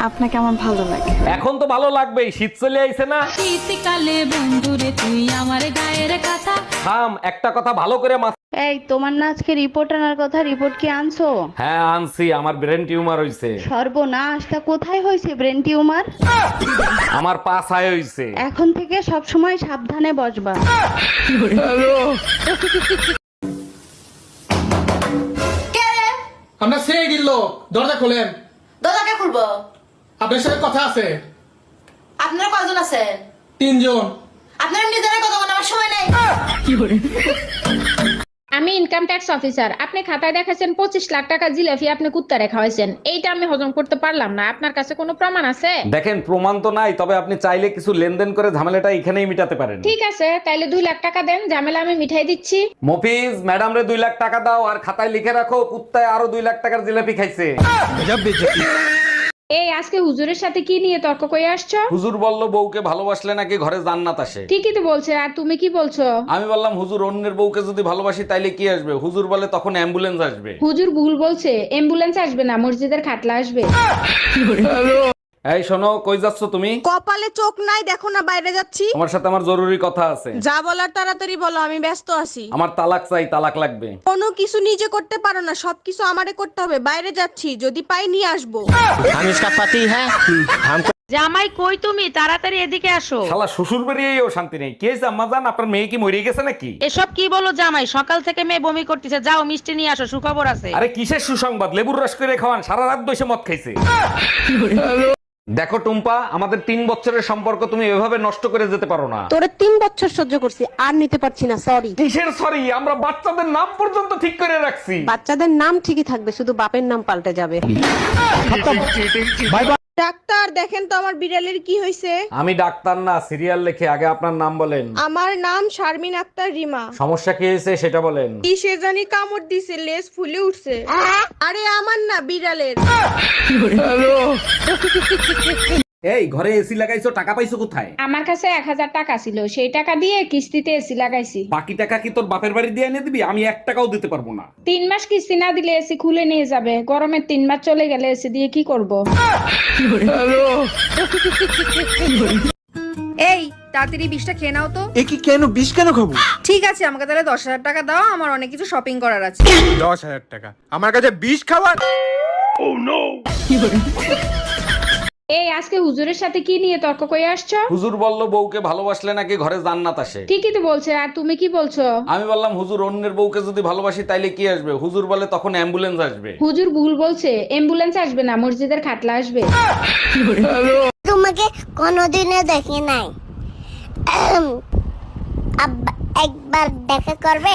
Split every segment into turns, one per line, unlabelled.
আপনাকে আমার ভালো লাগে।
এখন তো ভালো লাগবেই, শীত চলে আইছে না।
শীতকালে বন্ধুরে তুই আমার গায়ের কথা।
থাম, একটা কথা ভালো করে
এই তোমার না আজকে রিপোর্ট আনার কথা, রিপোর্ট কি আনছো?
হ্যাঁ আনছি, আমার ব্রেন টিউমার হইছে।
সর্বনাশ, তা কোথায় হয়েছে ব্রেন টিউমার?
আমার পা ছায় হইছে।
এখন থেকে সব সময় সাবধানে বসবা।
আমরা সেই দিল, দরজা খোলেন।
দরজাকে খুলবো?
আপনার সাথে কথা আছে।
আপনারা কয়জন আছেন?
3 জন।
আপনারা নিজেরা কথা বলার আমার সময় নাই।
আমি ইনকাম ট্যাক্স অফিসার। আপনি খাতায় দেখাছেন 25 লাখ টাকা জিলাপি আপনি কুত্তা রেখা হয়েছেন। এইটা আমি হজম করতে পারলাম না। আপনার কাছে কোনো প্রমাণ আছে?
দেখেন, প্রমাণ তো নাই, তবে আপনি চাইলে কিছু লেনদেন করে ঝামেলাটা এখানেই মিটাতে পারেন।
ঠিক আছে, তাইলে 2 লাখ টাকা দেন, ঝামেলা আমি মিঠাই দিচ্ছি।
মফিজ, ম্যাডাম রে 2 লাখ টাকা দাও, আর খাতায় লিখে রাখো কুত্তায় আরো 2 লাখ টাকার জিলাপি খাইছে।
এই আজকে হুজুরের সাথে কি নিয়ে তর্ক করে আসছো?
হুজুর বলল বউকে ভালোবাসলে নাকি ঘরে জান্নাত আসে।
ঠিকই তো বলছে, আর তুমি কি বলছো?
আমি বললাম হুজুর, অন্যের বউকে যদি ভালোবাসি তাইলে কি আসবে? হুজুর বলে তখন অ্যাম্বুলেন্স আসবে।
হুজুর ভুল বলছে, অ্যাম্বুলেন্স আসবে না, মসজিদের খাটলা আসবে।
এই শোনো, কই যাচ্ছ তুমি?
কপালে চোখ নাই দেখো না, বাইরে যাচ্ছি।
আমার সাথে আমার জরুরি কথা আছে।
যা বলার তাড়াতাড়ি বলো, আমি ব্যস্ত আছি।
আমার তালাক চাই, তালাক লাগবে।
কোনো কিছু নিজে করতে পারো না, সবকিছু আমারে করতে হবে। বাইরে যাচ্ছি, যদি পাই নিয়ে আসবো।
हम इसका पति है, हमको
জামাই কই তুমি? তাড়াতাড়ি এদিকে আসো।
শালা শ্বশুর বাড়িয়েও শান্তি নেই। কি হয়েছে আম্মা জান, আপনার মেয়ে কি মরে গেছে নাকি?
এসব কি বলো জামাই? সকাল থেকে মেয়ে বমি করতেছে, যাও মিষ্টি নিয়ে আসো, সুখবর আছে।
আরে কিসের সুসংবাদ? লেবুর রস করে খাওয়ান, সারা রাত বসে মদ খাইছে। দেখো টুম্পা, আমাদের 3 বছরের সম্পর্ক তুমি এভাবে নষ্ট করে যেতে পারো না।
তোরে 3 বছর সহ্য করছি, আর নিতে পারছি না, সরি।
কিসের সরি? আমরা বাচ্চাদের নাম পর্যন্ত ঠিক করে রাখছি।
বাচ্চাদের নাম ঠিকই থাকবে, শুধু বাপের নাম পাল্টে যাবে। ডাক্তার দেখেন তো আমার বিড়ালের কি হয়েছে।
আমি ডাক্তার না, সিরিয়াল লেখে। আগে আপনার নাম বলেন।
আমার নাম শারমিন আক্তার রিমা।
সমস্যা কি হয়েছে সেটা বলেন।
কি সে জানি কামড় দিছে, লেজ ফুলে উঠছে। আরে আমার না, বিড়ালের।
এই ঘরে এসি লাগাইছো, টাকা পাইছো কোথায়?
আমার কাছে 1000 টাকা ছিল, সেই টাকা দিয়ে কিস্তিতে এসি লাগাইছি।
বাকি টাকা কি তোর বাপের বাড়ি দিয়ে এনে দিবি? আমি 1 টাকাও দিতে পারবো না।
3 মাস কিস্তি না দিলে এসি খুলে নিয়ে যাবে। গরমের 3 মাস চলে গেলে এসি দিয়ে কি করব?
এই তাড়াতাড়ি 20টা খেয়ে নাও তো।
কি কেন 20 কেন খাবো?
ঠিক আছে, আমাকে তাহলে 10,000 টাকা দাও, আমার অনেক কিছু শপিং করার আছে।
10,000 টাকা আমার কাছে 20 খাবার?
এই আজকে হুজুরের সাথে কি নিয়ে তর্ক করে আসছো?
হুজুর বলল বউকে ভালোবাসলে নাকি ঘরে জান্নাত আসে।
ঠিকই তো বলছে, আর তুমি কি বলছো?
আমি বললাম হুজুর, অন্যের বউকে যদি ভালোবাসি তাইলে কি আসবে? হুজুর বলে তখন অ্যাম্বুলেন্স আসবে।
হুজুর ভুল বলছে, অ্যাম্বুলেন্স আসবে না, মসজিদের খাটলা আসবে।
তোমাকে কোনোদিনও দেখি নাই, একবার দেখা করবে?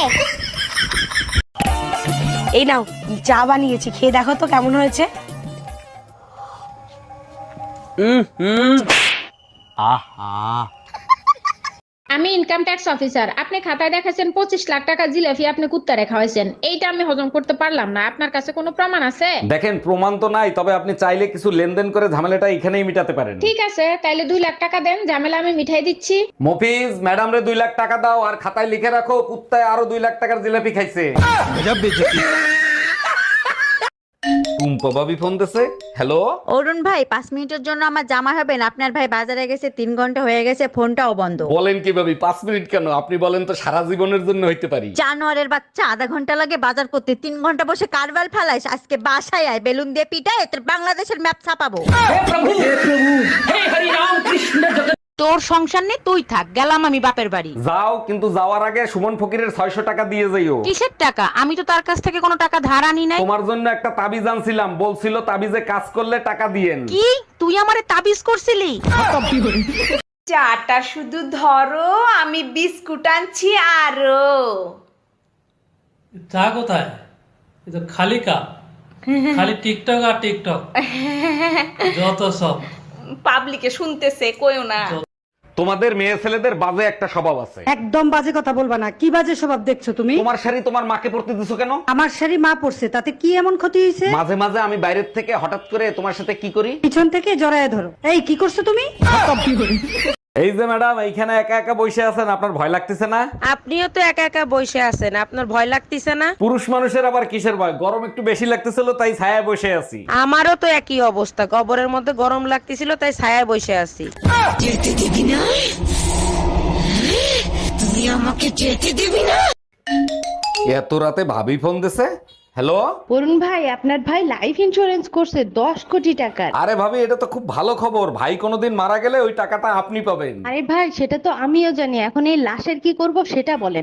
এই নাও, চা বানিয়েছি, খেয়ে দেখো তো কেমন হয়েছে।
আমি ইনকাম ট্যাক্স অফিসার। আপনি খাতায় দেখাছেন 25 লাখ টাকা জিলাপি আপনি কুত্তা রেখা হয়েছেন। এইটা আমি হজম করতে পারলাম না। আপনার কাছে কোনো প্রমাণ আছে?
দেখেন, প্রমাণ তো নাই, তবে আপনি চাইলে কিছু লেনদেন করে ঝামেলাটা এখানেই মিটাতে পারেন।
ঠিক আছে, তাইলে 2 লাখ টাকা দেন, ঝামেলা আমি মিঠাই দিচ্ছি।
মফিজ, ম্যাডাম রে 2 লাখ টাকা দাও, আর খাতায় লিখে রাখো কুত্তায় আরো 2 লাখ টাকার জিলাপি খাইছে। টুম্পা ভাবি ফোন দিছে। হ্যালো
অরুণ ভাই, 5 মিনিটের জন্য আমার জামা হবেন? আপনার ভাই বাজারে গেছে, 3 ঘন্টা হয়ে গেছে, ফোনটাও বন্ধ।
বলেন কি ভাবি, 5 মিনিট কেন? আপনি বলেন তো সারা জীবনের জন্য হইতে পারি।
জানোয়ারের বাচ্চা, আধা ঘন্টা লাগে বাজার করতে, 3 ঘন্টা বসে কারবার ফেলাইস। আজকে বাসায় আয়, বেলুন দিয়ে পিটায় তোর বাংলাদেশের ম্যাপ ছাপাবো। তোর সংসার নেই, তুই থাক, গেলাম আমি বাপের বাড়ি।
যাও, কিন্তু যাওয়ার আগে সুমন ফকিরের 600 টাকা দিয়ে যাইও।
কিসের টাকা? আমি তো তার কাছ থেকে কোনো টাকা ধার আনি নাই।
তোমার জন্য একটা তাবিজ আনছিলাম, বলছিল তাবিজে কাজ করলে টাকা দিয়েন।
কি তুই আমারে তাবিজ করছিলি?
চাটা শুধু ধরো, আমি বিস্কুট আনছি আরো।
চা কোথায়? এ তো খালি কাপ, খালি টিকটক আর টিকটক, যত সব
পাবলিকে শুনতেছে, কইও না।
তোমাদের মেয়ে ছেলেদের বাজে একটা স্বভাব আছে।
একদম বাজে কথা বলবা না। কি বাজে স্বভাব দেখছো তুমি?
তোমার শাড়ি তোমার মাকে পরতে দিছো কেন?
আমার শাড়ি মা পরছে, তাতে কি এমন ক্ষতি হয়েছে?
মাঝে মাঝে আমি বাইরের থেকে হঠাৎ করে তোমার সাথে কি করি,
পিছন থেকে জড়ায় ধরো। এই কি করছো তুমি?
এই যে ম্যাডাম এইখানে একা একা বসে আছেন, আপনার ভয় লাগতেছে না?
আপনিও তো একা একা বসে আছেন, আপনার ভয় লাগতেছে না?
পুরুষ মানুষের আবার কিসের ভয়? গরম একটু বেশি লাগতেছিল তাই ছায়ায় বসে আছি।
আমারও তো একই অবস্থা, কবরের মধ্যে গরম লাগতেছিল তাই ছায়ায় বসে আছি।
এত রাতে ভাবি ফোন দিছে। হ্যালো
অরুণ ভাই, আপনার ভাই লাইফ ইন্স্যুরেন্স করছে 10 কোটি টাকার।
আরে ভাবি, এটা তো খুব ভালো খবর। ভাই কোনোদিন মারা গেলে ওই টাকাটা আপনি পাবেন।
আরে ভাই, সেটা তো আমিও জানি, এখন এই লাশের কি করব সেটা বলেন।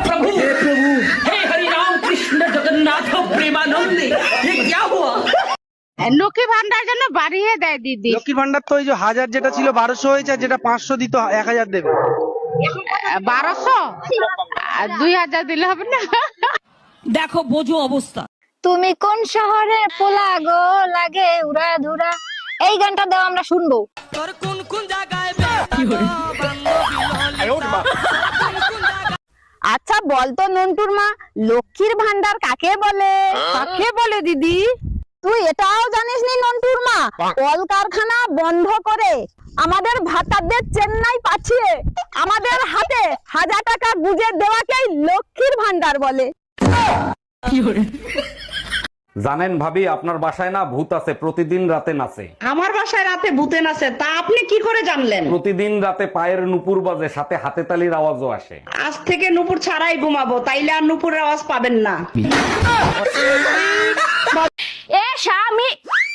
লক্ষ্মী ভান্ডার জন্য বাড়িয়ে দেয় দিদি।
লক্ষ্মীর ভান্ডার তো ওই যে 1000 যেটা ছিল 1200 হয়েছে, আর যেটা 500 দিত 1000 দেবে।
1200 আর 2000 দিলে হবে না?
দেখো বোঝো অবস্থা।
তুমি কোন শহরে পোলা গো লাগে উড়া ধুরা, এই গানটা দাও আমরা শুনবো।
আচ্ছা বলতো নন্টুর মা, লক্ষ্মীর ভান্ডার কাকে বলে? কাকে বলে দিদি? তুই এটাও জানিস নি নন্টুর মা? কলকারখানা বন্ধ করে আমাদের ভাতাদের চেন্নাই পাঠিয়ে আমাদের হাতে 1000 টাকা গুজে দেওয়াকেই লক্ষ্মীর ভান্ডার বলে।
জানেন ভাবি, আপনার বাসায় না ভূত আছে, প্রতিদিন রাতে নাচে।
আমার বাসায় রাতে ভূতে নাচে, তা আপনি কি করে জানলেন?
প্রতিদিন রাতে পায়ের নুপুর বাজে, সাথে হাতে তালির আওয়াজও আসে।
আজ থেকে নুপুর ছাড়াই ঘুমাবো, তাইলে আর নুপুরের আওয়াজ পাবেন না।
এ স্বামী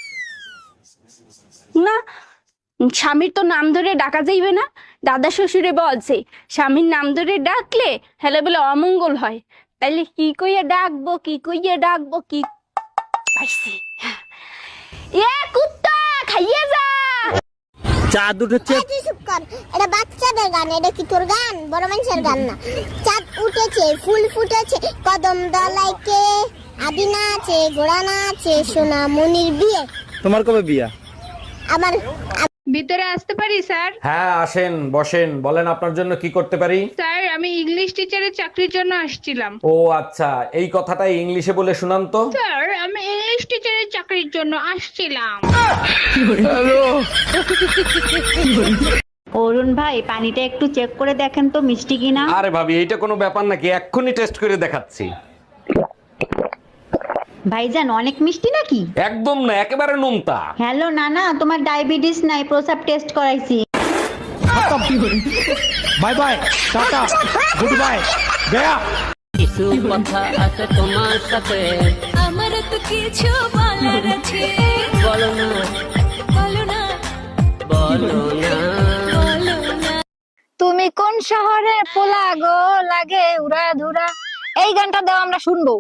না, স্বামীর তো নাম ধরে ডাকা যাইবে না। দাদা শ্বশুরে বলছে স্বামীর নাম ধরে ডাকলে হেলে বলে অমঙ্গল হয়। তাইলে কি কইয়া ডাকবো, কি কইয়া ডাকবো, কি পাইছি? এ কুত্তা খাইয়ে যা।
চাঁদ উঠেছে।
চুপ কর, এটা বাচ্চাদের গান, এটা কি তোর গান? বড় মানুষের গান না। চাঁদ উঠেছে, ফুল ফুটেছে, কদম দলাইকে আদিনা আছে, গোড়া না আছে, সোনা মনির বিয়ে।
তোমার কবে বিয়া?
আমার
ভিতরে আসতে পারি স্যার?
হ্যাঁ আসেন, বসেন। বলেন আপনার জন্য কি করতে পারি?
স্যার আমি ইংলিশ টিচারের চাকরির জন্য আসছিলাম।
ও আচ্ছা, এই কথাটা ইংলিশে বলে শুনান তো।
স্যার আমি ইংলিশ টিচারের চাকরির জন্য আসছিলাম।
অরুণ ভাই, পানিটা একটু চেক করে দেখেন তো মিষ্টি কিনা।
আরে ভাবি, এইটা কোনো ব্যাপার নাকি? এক্ষুনি টেস্ট করে দেখাচ্ছি।
ভাইজান, অনেক মিষ্টি নাকি?
একদম না, একেবারে নোনতা।
হ্যালো নানা, তোমার ডায়াবেটিস নাই, প্রসাব টেস্ট করাইছি।
বাই বাই, টাটা, গুড বাই, গয়া।
আমার তো কিছু বলার আছে, বলো না, বলো না, বলো না, বলো না।
তুমি কোন শহরে পোলা গো লাগে উড়া ধুরা, এই গানটা দাও আমরা শুনবো।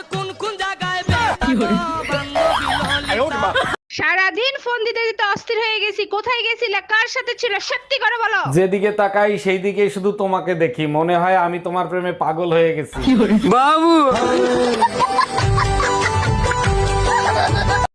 সারাদিন ফোন দিতে দিতে অস্থির হয়ে গেছি। কোথায় গেছিলে, কার সাথে ছিল, সত্যি করে বলো।
যেদিকে তাকাই সেই দিকে শুধু তোমাকে দেখি, মনে হয় আমি তোমার প্রেমে পাগল হয়ে গেছি।
বাবু